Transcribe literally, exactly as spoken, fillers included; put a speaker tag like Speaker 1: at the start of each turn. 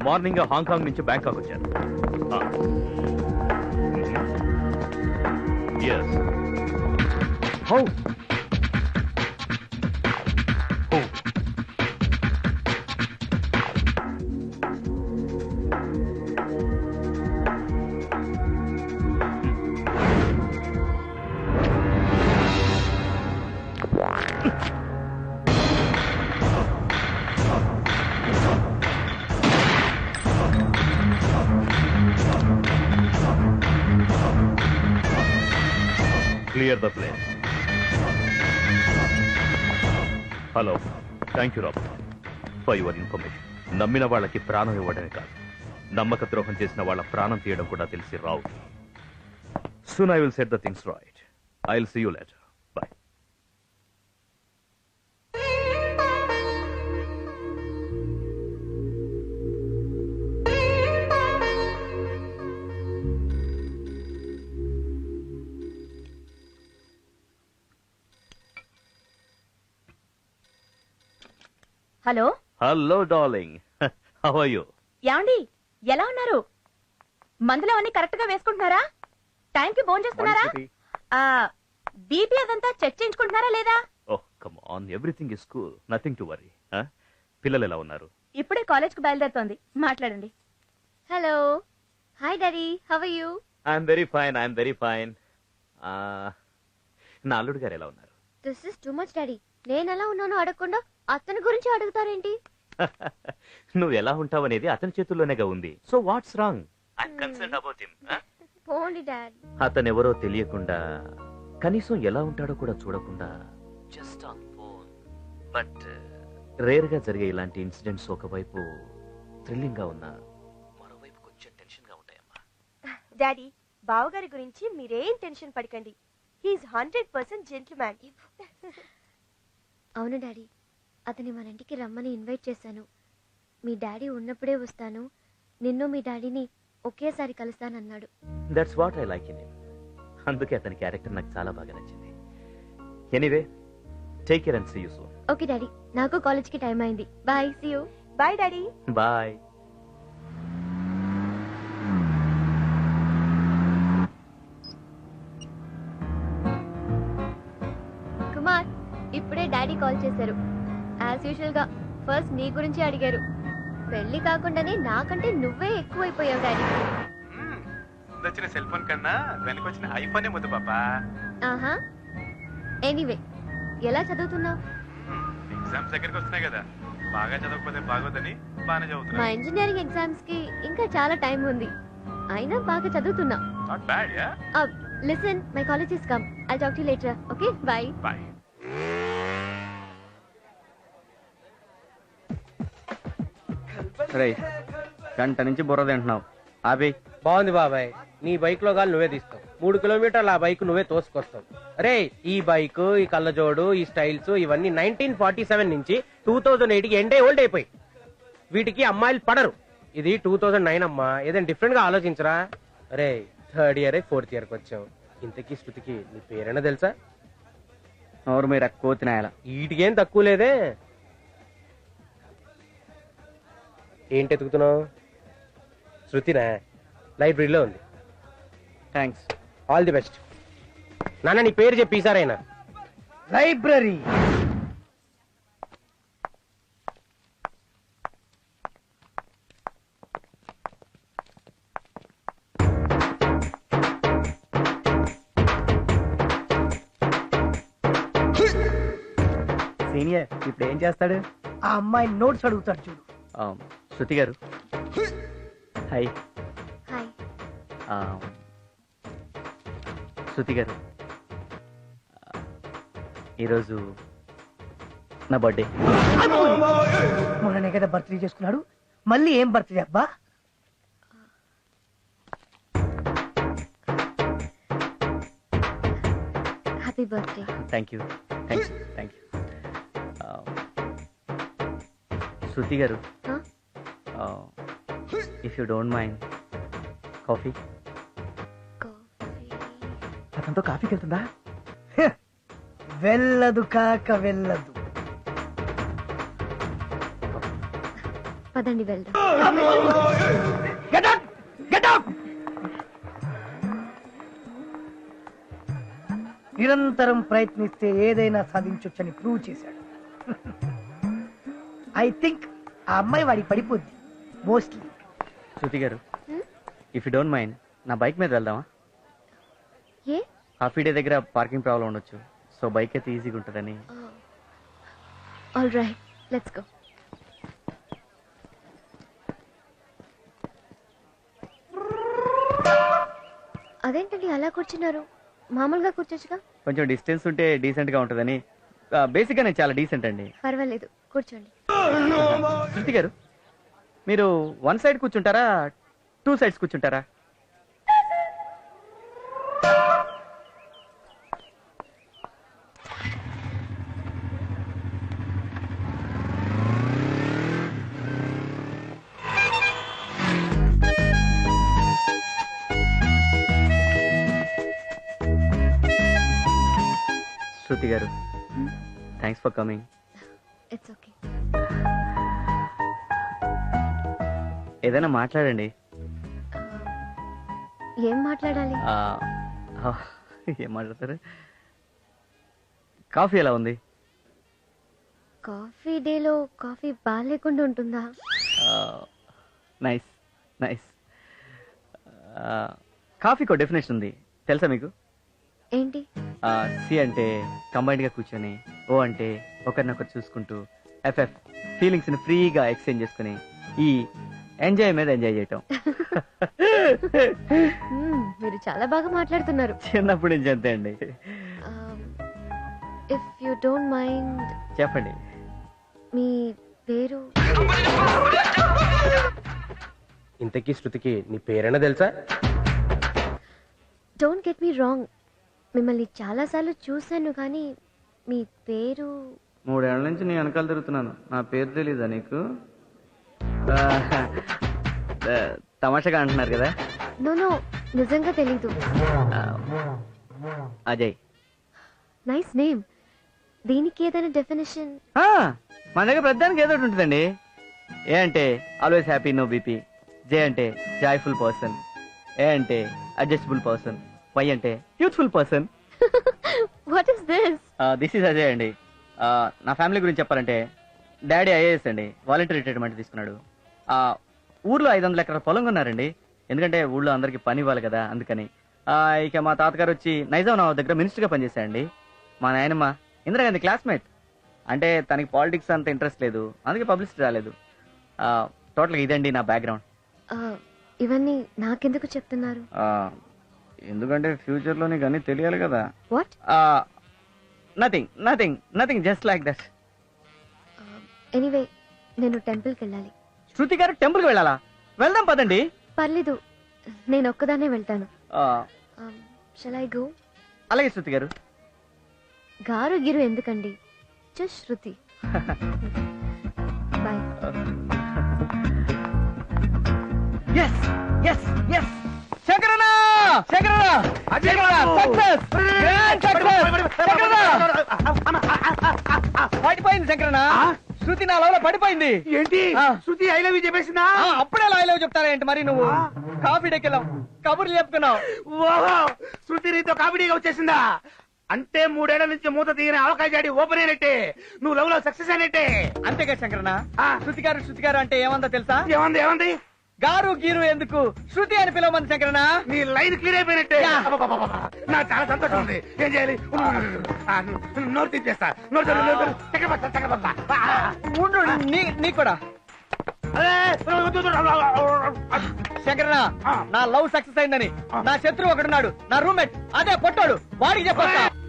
Speaker 1: Morning Hong Kong నుంచి Bangkok వచ్చాను. Yes. How Clear the place. Hello. Thank you, Robert, for your information. నమ్మిన వాళ్ళకి ప్రాణం ఇవ్వడమే కాదు, నమ్మక ద్రోహం చేసిన వాళ్ళ ప్రాణం తీయడం కూడా తెలిసి రావు. Soon I will set the things right. I'll see you later. Bye.
Speaker 2: Hello.
Speaker 1: Hello darling, how are you?
Speaker 2: యాండి ఎలా ఉన్నారు? మందులు అన్ని కరెక్ట్ గా వేసుకుంటున్నారా? టైం కి ఫోన్ చేస్తున్నారా? బీపీ అదంతా చెక్ చేయించుకుంటున్నారా లేదా?
Speaker 1: Oh come on, everything is cool, nothing to worry. పిల్లలు ఎలా ఉన్నారు?
Speaker 2: ఇప్పుడే కాలేజ్ కు బయలుదేరుతోంది, మాట్లాడండి. Hello. Hi daddy, how are you?
Speaker 1: I'm very fine, I'm very fine. నా అల్లుడు గారు ఎలా ఉన్నారు?
Speaker 2: This is too much daddy. నేను ఎలా ఉన్నానో అడగకుండా అతని గురించి అడుగుతారేంటి?
Speaker 1: నువ్వు ఎలా ఉంటావు అనేది అతని చేతుల్లోనేగా ఉంది. So what's wrong? I'm concerned about him.
Speaker 2: పోండి డాడ్.
Speaker 1: అతను ఎవరో తెలియకుండా, కనీసం ఎలా ఉంటాడో కూడా చూడకుండా just on phone. But rare గా జరిగే ఇలాంటి ఇన్సిడెంట్స్ ఒకవైపు థ్రిల్లింగ్ గా ఉన్నా, మరోవైపు కొంచెం టెన్షన్ గా ఉంటాయమ్మా.
Speaker 2: డాడీ, బావగారి గురించి మీరేం టెన్షన్ పడకండి. He's hundred percent gentleman. అవును డాడీ, అతని మన ఇంటికి రమ్మని ఇన్వైట్ చేశాను. మీ డాడీ ఉన్నప్పుడే వస్తాను, నిన్ను మీ డాడీని ఒకేసారి కలుస్తానన్నాడు.
Speaker 1: That's what I like in him. అందుకే అతని క్యారెక్టర్ నాకు చాలా బాగా నచ్చింది. Anyway, take care and see you soon.
Speaker 2: Okay daddy, నాకు కాలేజ్ కి టైం అయింది. Bye, see you. Bye daddy.
Speaker 1: Bye.
Speaker 2: Kumar, ఇప్పుడే డాడీ కాల్ చేశారు. యాజ్ యూజువల్ గా ఫస్ట్ నీ గురించి అడిగారు. పెళ్లి కాకుండానే నాకంటే నువ్వే ఎక్కువైపోయావు డాడీ.
Speaker 3: వచ్చిన సెల్ ఫోన్ కన్నా వెనకొచ్చిన ఐఫోనే ముద్దు పాపా.
Speaker 2: ఆహా. ఎనీవే, ఎలా చదువుతున్నావు?
Speaker 3: ఎగ్జామ్స్ దగ్గరికి వస్తున్నాయి కదా, బాగా చదవకపోతే బాగోదని బాగానే చదువుతున్నా.
Speaker 2: మా ఇంజనీరింగ్ ఎగ్జామ్స్ కి ఇంకా చాలా టైం ఉంది, అయినా బాగా చదువుతున్నా.
Speaker 3: Not bad ya.
Speaker 2: Listen, my college is come. I'll talk to you later. Okay, bye.
Speaker 3: Bye.
Speaker 4: రేయ్, గంట నుంచి బుర్ర తింటున్నావు. ఆబి.
Speaker 5: బాగుంది బాబాయ్, నీ బైక్ లో గాలి నువ్వే తీస్తావు. మూడు కిలోమీటర్లు ఆ బైక్ నువ్వే తోసుకొస్తావు. అరే, ఈ బైక్, ఈ కళ్ళజోడు, ఈ స్టైల్స్ ఇవన్నీ నైన్టీన్ ఫార్టీ సెవెన్ నుంచి టూ థౌజండ్ ఎయిట్ కి ఎండే ఓల్డ్ అయిపోయి. వీటికి అమ్మాయిలు పడరు. ఇది టూ థౌజండ్ నైన్ అమ్మా, ఏదైనా డిఫరెంట్ గా ఆలోచించరా. అరే, థర్డ్ ఇయర్ ఫోర్త్ ఇయర్ కి వచ్చావు. ఇంతకీ శృతికి నీ పేరైనా తెలుసా?
Speaker 4: ఎవరు మీరు ఎక్కువ తినాయాల?
Speaker 5: వీటికేం తక్కువ లేదే. ఏంటి ఎతుకుతున్నావు? శృతినా? లైబ్రరీలో ఉంది.
Speaker 4: థ్యాంక్స్.
Speaker 5: All the best. నాన్న, నీ పేరు చెప్పి ఈసారైనా.
Speaker 6: లైబ్రరీ.
Speaker 4: సీనియర్ ఇప్పుడు ఏం చేస్తాడు?
Speaker 6: ఆ అమ్మాయి నోట్స్ అడుగుతాడు చూడు.
Speaker 4: శృతి గారు, హాయ్.
Speaker 2: హాయ్.
Speaker 4: శృతి గారు, ఈరోజు నా బర్త్డే.
Speaker 6: మొన్ననే కదా బర్త్డే చేసుకున్నాడు, మళ్ళీ ఏం బర్త్డే అబ్బా?
Speaker 2: Happy birthday.
Speaker 4: Thank you thank you thank you. Shruti గారు, if you don't mind, coffee.
Speaker 6: అతనితో కాఫీకి వెళ్తుందా? వెళ్ళదు కాక వెళ్ళదు.
Speaker 2: పదండి వెళ్దాం.
Speaker 6: Get up! Get up! నిరంతరం ప్రయత్నిస్తే ఏదైనా సాధించొచ్చని ప్రూవ్ చేశాడు. ఐ థింక్ ఆ అమ్మాయి వాడికి పడిపోద్ది మోస్ట్లీ.
Speaker 4: శృతి గారు, ఇఫ్ యూ డోంట్ మైండ్ నా బైక్ మీద వెళ్దామా?
Speaker 2: ఏ
Speaker 4: హాఫీ డే దగ్గర పార్కింగ్ ప్రాబ్లం ఉండొచ్చు, సో బైక్ అయితే ఈజీగా ఉంటుందని.
Speaker 2: All right, let's go. అదేంటండి అలా కూర్చున్నారు? మామూలుగా కూర్చోచ్చుగా.
Speaker 4: కొంచెం డిస్టెన్స్ ఉంటే డీసెంట్ గా ఉంటుందని. బేసిక్ గా నేను చాలా డీసెంట్ అండి.
Speaker 2: పర్వాలేదు, కూర్చోండి.
Speaker 4: శృతి గారు, మీరు వన్ సైడ్ కూర్చుంటారా, టూ సైడ్స్ కూర్చుంటారా? శృతి గారు, thanks for coming.
Speaker 2: It's okay.
Speaker 4: ఏదైనా మాట్లాడండి.
Speaker 2: ఏం మాట్లాడాలి?
Speaker 4: ఆ, ఆ, ఏం మాట్లాడతారు? కాఫీ ఎలా ఉంది?
Speaker 2: కాఫీ డేలో కాఫీ బాగాలేకుండా ఉంటుందా?
Speaker 4: Nice nice. కాఫీకో డెఫినేషన్ ఉంది, తెలుసా మీకు?
Speaker 2: ఏంటి?
Speaker 4: సి అంటే కంబైన్డ్ గా కూర్చొని, ఓ అంటే ఒకరినొకరు చూసుకుంటూ, ఎఫ్ఎఫ్ ఫీలింగ్స్ ని ఫ్రీగా ఎక్స్చేంజ్ చేసుకుని, ఈ ఎంజాయ్ మీద ఎంజాయ్ చేయటం.
Speaker 2: మ్మ్, మీరు చాలా బాగా మాట్లాడుతున్నారు.
Speaker 4: చిన్నప్పుడు నుంచి అంతే అండి.
Speaker 2: ఇఫ్ యు డోంట్ మైండ్
Speaker 4: చెప్పండి.
Speaker 2: మీ పేరు?
Speaker 5: ఇంతకీ శృతికి నీ పేరైనా తెలుసా?
Speaker 2: డోంట్ గెట్ మీ రాంగ్, మిమ్మల్ని చాలాసార్లు చూశాను కానీ మీ పేరు?
Speaker 4: మూడేళ్ల నుంచి నీ వెనకాల తిరుగుతున్నాను, నా పేరు తెలీదా నీకు? తమాషగా అంటున్నారు కదా.
Speaker 2: నో నో, నిజంగా తెలీదు.
Speaker 4: అజయ్.
Speaker 2: Nice name. దీనికి ఏదైనా డెఫినేషన్?
Speaker 4: మన దగ్గర ప్రతిదానికి ఏదో ఒకటి ఉంటుందండి. ఏ అంటే always happy, no BP. J అంటే జాయ్ఫుల్ పర్సన్. ఏ అంటే అడ్జస్టబుల్ పర్సన్. వై అంటే youthful person.
Speaker 2: What is this?
Speaker 4: This is Ajay అండి. Uh, నా ఫ్యామిలీ గురించి చెప్పాలంటే డాడీ ఐఏఎస్ అండి, వాలంటీర్ రిటైర్మెంట్ తీసుకున్నాడు. ఆ ఊర్లో ఐదు వందల ఎకరాల పొలం కొన్నారండి, ఎందుకంటే ఊళ్ళో అందరికి పని ఇవ్వాలి కదా, అందుకని. ఇక మా తాతగారు వచ్చి నైజాం నవాబ్ దగ్గర మినిస్టర్ గా పనిచేశారండి. మా నాయనమ్మ ఇందిరాగాంధీ క్లాస్మేట్, అంటే తనకి పాలిటిక్స్ అంత ఇంట్రెస్ట్ లేదు, అందుకే పబ్లిసిటీ రాలేదు. టోటల్గా ఇదండి నా బ్యాక్గ్రౌండ్.
Speaker 2: ఇవన్నీ నాకెందుకు చెప్తున్నారు?
Speaker 4: ఎందుకంటే ఫ్యూచర్ లో నీకు అన్ని తెలియాలి కదా.
Speaker 2: What?
Speaker 4: Nothing nothing nothing just like that.
Speaker 2: Anyway, నేను టెంపుల్కి వెళ్ళాలి.
Speaker 4: శృతి గారు టెంపుల్కి వెళ్ళాలా? వెళ్దాం పదండి.
Speaker 2: పర్లేదు, నేను ఒక్కదానే వెళ్తాను. Shall I go?
Speaker 4: అలాగే శృతి గారు.
Speaker 2: గారు గిరు ఎందుకండి, just Shruti. Bye.
Speaker 4: Yes, yes, yes. శంకరన్న, శంకరన్న, శంకరన్న, success, grand success, శంకరన్న. పడిపోయింది శంకరన్న, శృతి నా లవ్ లో పడిపోయింది.
Speaker 6: ఏంటి?
Speaker 4: ఆ.
Speaker 6: శృతి ఐ లవ్ యూ చెప్పేసిందా?
Speaker 4: ఆ, అప్పుడే లవ్ లవ్ చెప్తారా ఏంటి మరి నువ్వు? కాఫీ డెక్కెళ్ళాం, కబుర్లు చెప్పుకున్నావు.
Speaker 6: ఓహో, శృతి నీతో కామెడీగా వచ్చేసిందా? అంటే మూడేళ్ల నుంచి మూత తీయని అవకాశం జాడి ఓపెన్ అయినట్టే, నువ్వు లవ్ లో సక్సెస్ అయినట్టే.
Speaker 4: అంతేగా శంకరన్న.
Speaker 6: ఆ.
Speaker 4: శృతి గారు శృతి గారు అంటే ఏమందో తెలుసా?
Speaker 6: ఏమంది ఏమంది?
Speaker 4: గారు గీరు ఎందుకు, శృతి అని పిలవమంది శంకరన్న.
Speaker 6: నీ లైన్ క్లియర్ అయిపోయినట్టే.
Speaker 4: యా.
Speaker 6: అబ్బబ్బబ్బబ్బ. నాకు చాలా సంతోషం ఉంది. ఏం చేయాలి? ఆ, నోరు తీసేస్తా. నోరు తెరు, నోరు తెరు. చక్కెరపత్తా, చక్కెరపత్తా. ఆ,
Speaker 4: ఉండు, నీ నీకు కూడా.
Speaker 6: అరే, వద్దు, వద్దు.
Speaker 4: శంకరన్న,
Speaker 6: ఆ.
Speaker 4: నా లవ్ సక్సెస్ అయిందని నా శత్రువు ఒకడున్నాడు, నా రూమ్మేట్, అదే పొట్టాడు, వాడికి చెప్పొస్తా.